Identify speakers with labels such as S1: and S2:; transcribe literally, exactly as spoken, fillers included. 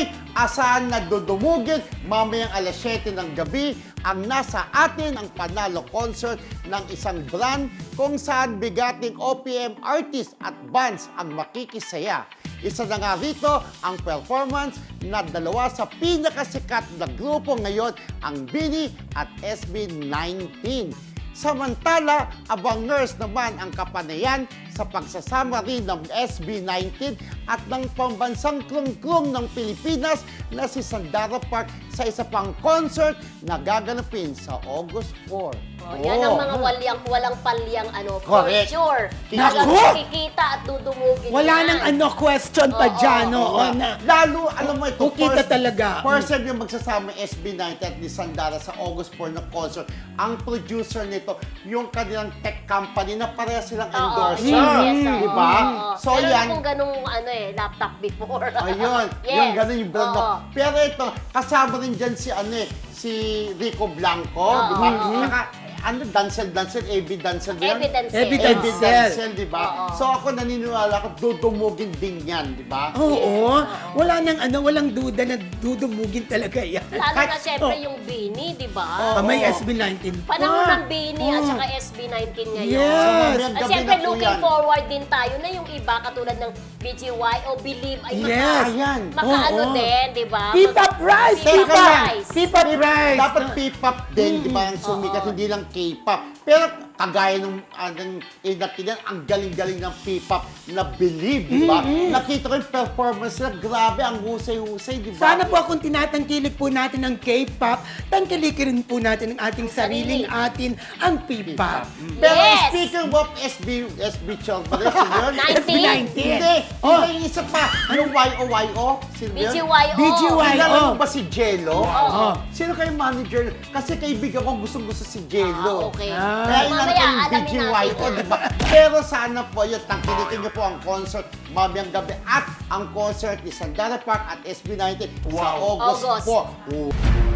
S1: Anyway, asahan na dudumugin mamayang alas siyete ng gabi ang nasa atin ang panalo concert ng isang brand kung saan bigating O P M artist at bands ang makikisaya. Isa na nga rito ang performance na dalawa sa pinakasikat na grupo ngayon, ang BINI at S B nineteen. Samantala, abangers naman ang kapanayan sa pagsasama rin ng S B nineteen at ng pambansang klung-klung ng Pilipinas na si Sandara Park sa isa pang concert na gaganapin sa August four.
S2: Oh, yan ang mga walyang, walang palyang ano,
S1: Correct.
S2: for sure.
S1: Naku!
S2: Talagang kikita at dudumugin
S3: Wala
S2: yan.
S3: nang ano, question pa
S2: Oo,
S3: dyan,
S2: oo,
S3: oo,
S1: Oo.
S3: na.
S1: Lalo, alam mo ito,
S3: Kukita talaga.
S1: First time yung magsasama yung S B nineteen at ni Sandara sa August four na concert. Ang producer nito, yung kanilang tech company na pareha silang
S2: Oo,
S1: endorser.
S2: yes, yes, oo,
S1: Di ba?
S2: oo.
S1: So
S2: Meron
S1: yan,
S2: akong ganung ano eh, laptop before.
S1: ayun,
S2: Yes.
S1: yung gano'n yung brand.
S2: Oo.
S1: no? Pero ito, kasama rin dyan si ano eh, si Rico Blanco,
S2: Oo,
S1: di ba?
S2: oo.
S1: Saka, ano, Dancel, Dancel, A B Dancel. ba yan?
S2: Evidence.
S3: Evidence.
S1: A B Dancel, di ba?
S2: Oo.
S1: So ako naniniwala ko, dudumugin din yan, di ba?
S3: Oo, wala nang ano, walang duda na dudumugin talaga yan.
S2: Lalo na
S1: Kahit-
S2: syempre
S3: oh.
S2: yung BINI, di ba?
S3: Ah, may
S1: Oo.
S3: S B nineteen pa.
S2: Panahon ng BINI at
S3: Oo.
S2: saka S B nineteen ngayon.
S3: Yes.
S1: Mamayang
S2: At
S1: gabi
S2: syempre,
S1: na po
S2: looking
S1: yan.
S2: forward din tayo na yung iba, katulad ng B G Y o Believe, ay maka,
S3: Yes.
S1: Ayan.
S2: maka-ano
S3: Oo.
S2: din, di ba?
S3: P-pop rice!
S2: P-pop
S1: Teka lang.
S2: rice.
S3: P-pop rice!
S1: Dapat P-pop din, di ba? Ang sumikat,
S2: Oo.
S1: hindi lang K-pop. Pero kagaya nung anong inatinan, ang galing-galing ng P-pop na Believe, di ba? Nakita ko yung performance nila, grabe, ang husay-husay, di ba?
S3: Sana po kung tinatangkilik po natin ang K-pop, tangkilikin po natin ang ating sariling atin, ang P-pop.
S1: Pero
S2: Yes!
S1: speaking of S B, S B Chong, ba rin yun?
S3: S B nineteen.
S1: Hindi,
S3: Oh.
S1: hindi, yung isa pa, yung Y O Y O, sino
S2: B
S1: yun?
S2: G Y O.
S3: B G Y O.
S1: Kilala mo ba si Jello?
S2: Oo.
S1: Sino kayo manager? Kasi kaibigan ko gustong-gusto si Jello.
S2: Ah, okay.
S3: Ah.
S1: Kaya ilan
S2: Mamaya,
S1: kayong
S2: alamin
S1: B G Y O,
S2: natin.
S1: di ba? Pero sana po yun, tangkilitin niyo po ang concert mamayang gabi at ang concert ni Sandara Park at S B nineteen sa
S2: Wow.
S1: August
S2: August.
S1: four.